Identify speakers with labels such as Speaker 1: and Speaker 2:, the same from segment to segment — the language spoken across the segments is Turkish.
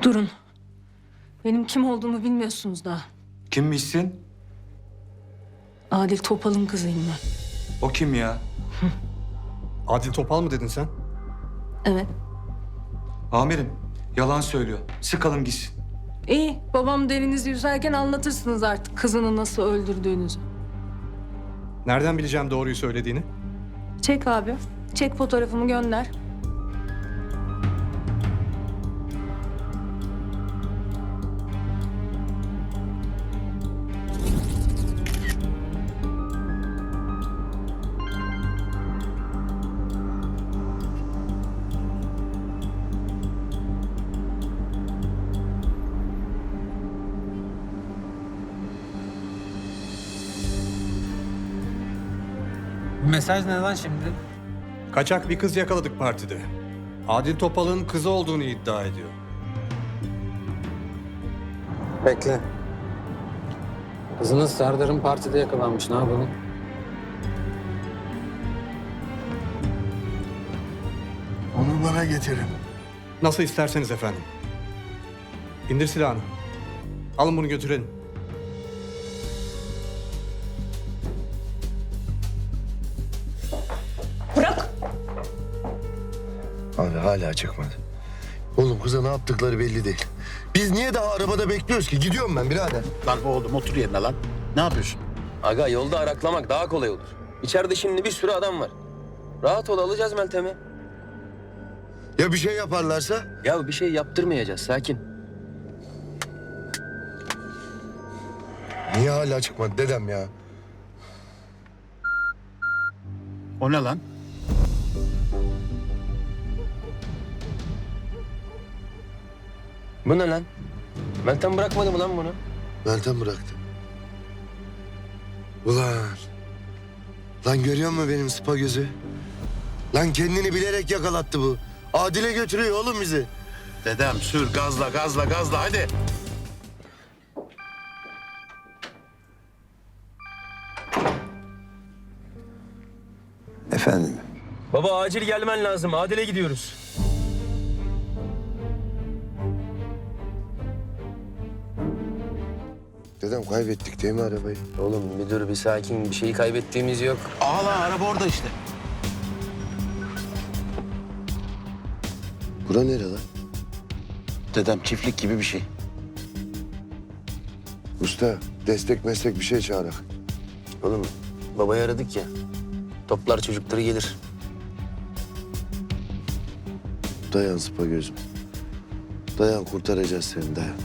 Speaker 1: Durun. Benim kim olduğumu bilmiyorsunuz daha.
Speaker 2: Kimmişsin?
Speaker 1: Adil Topal'ın kızıyım ben.
Speaker 2: O kim ya?
Speaker 3: Adil Topal mı dedin sen?
Speaker 1: Evet.
Speaker 2: Amirim, yalan söylüyor. Sıkalım gitsin.
Speaker 1: İyi. Babam derinizi yüzerken anlatırsınız artık kızını nasıl öldürdüğünüzü.
Speaker 3: Nereden bileceğim doğruyu söylediğini?
Speaker 1: Çek abi. Çek fotoğrafımı gönder.
Speaker 4: Mesaj ne lan şimdi?
Speaker 3: Kaçak bir kız yakaladık partide. Adil Topal'ın kızı olduğunu iddia ediyor.
Speaker 4: Bekle. Kızınız Serdar'ın partide yakalanmış. Ne yapalım?
Speaker 5: Onu bana getirin.
Speaker 3: Nasıl isterseniz efendim. İndir silahını. Alın bunu götürelim.
Speaker 1: Bırak.
Speaker 5: Abi hala çıkmadı. Oğlum kıza ne yaptıkları belli değil. Biz niye daha arabada bekliyoruz ki? Gidiyorum ben birader.
Speaker 6: Lan oğlum otur yerine lan. Ne yapıyorsun?
Speaker 7: Aga yolda araklamak daha kolay olur. İçeride şimdi bir sürü adam var. Rahat ol, alacağız Meltem'i.
Speaker 5: Ya bir şey yaparlarsa?
Speaker 7: Ya bir şey yaptırmayacağız, sakin.
Speaker 5: Niye hala çıkmadı dedem ya?
Speaker 6: O ne lan?
Speaker 7: Bu ne lan? Meltem bırakmadı mı lan bunu?
Speaker 5: Meltem bıraktı. Ulan. Lan görüyor musun benim spa gözü? Lan kendini bilerek yakalattı bu. Adile götürüyor oğlum bizi.
Speaker 6: Dedem sür gazla gazla gazla hadi.
Speaker 5: Efendim?
Speaker 7: Baba acil gelmen lazım, Adil'e gidiyoruz.
Speaker 5: Dedem kaybettik değil mi arabayı?
Speaker 7: Oğlum müdür bir sakin, bir şeyi kaybettiğimiz yok.
Speaker 6: Aa lan araba orada işte.
Speaker 5: Bura nere lan?
Speaker 6: Dedem çiftlik gibi bir şey.
Speaker 5: Usta destek meslek bir şey çağırak.
Speaker 7: Oğlum babayı aradık ya. Toplar çocukları gelir.
Speaker 5: Dayan spa gözüm. Dayan kurtaracağız seni dayan.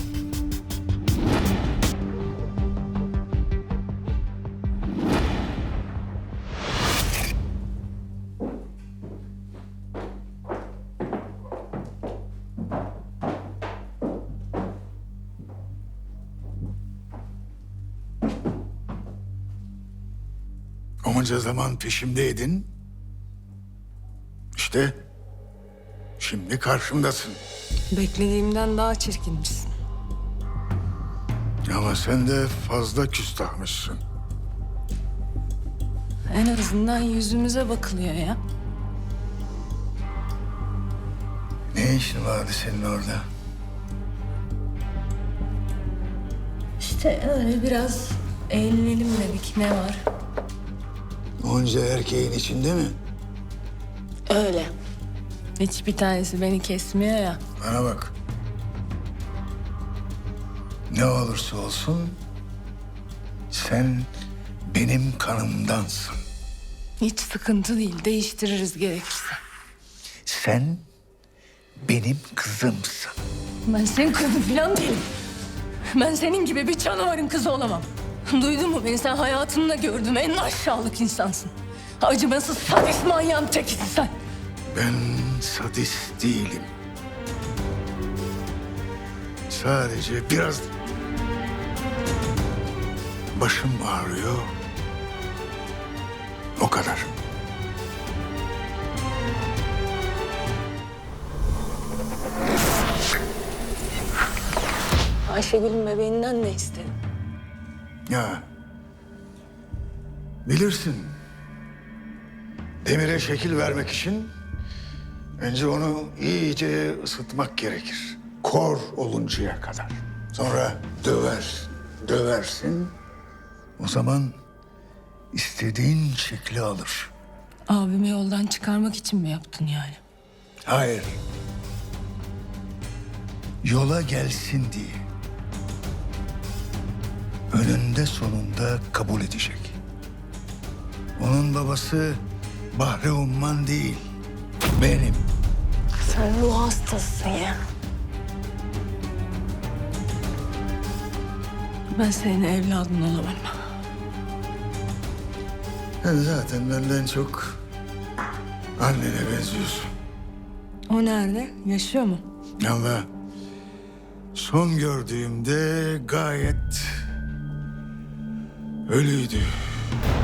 Speaker 8: Onca zaman peşimdeydin. İşte şimdi karşımdasın.
Speaker 1: Beklediğimden daha çirkinmişsin.
Speaker 8: Ama sen de fazla küstahmışsın.
Speaker 1: En azından yüzümüze bakılıyor ya.
Speaker 8: Ne işin vardı senin orada?
Speaker 1: İşte öyle biraz eğlenelim dedik. Ne var?
Speaker 8: Onca erkeğin içinde mi?
Speaker 1: Öyle. Hiçbir tanesi beni kesmiyor ya.
Speaker 8: Bana bak. Ne olursa olsun sen benim kanımdansın.
Speaker 1: Hiç sıkıntı değil. Değiştiririz gerekirse.
Speaker 8: Sen benim kızımsın.
Speaker 1: Ben senin kızın falan değilim. Ben senin gibi bir canavarın kızı olamam. Duydun mu beni? Sen hayatımda gördüğüm en aşağılık insansın. Acımasız sadist manyağın tekisin sen.
Speaker 8: Ben sadist değilim. Sadece biraz başım ağrıyor. O kadar.
Speaker 1: Ayşegül'ün bebeğinden ne istedin?
Speaker 8: Ya bilirsin. Demire şekil vermek için önce onu iyice ısıtmak gerekir. kor oluncaya kadar. Sonra döversin. O zaman istediğin şekli alır.
Speaker 1: Abimi yoldan çıkarmak için mi yaptın yani?
Speaker 8: Hayır. Yola gelsin diye. Önünde sonunda kabul edecek. Onun babası Bahri Umman değil, benim.
Speaker 1: Sen ruh hastasısın ya. Ben senin evladın olamam.
Speaker 8: Sen zaten benden çok annene benziyorsun.
Speaker 1: O nerede? Yaşıyor mu?
Speaker 8: Ama son gördüğümde gayet ölüydü.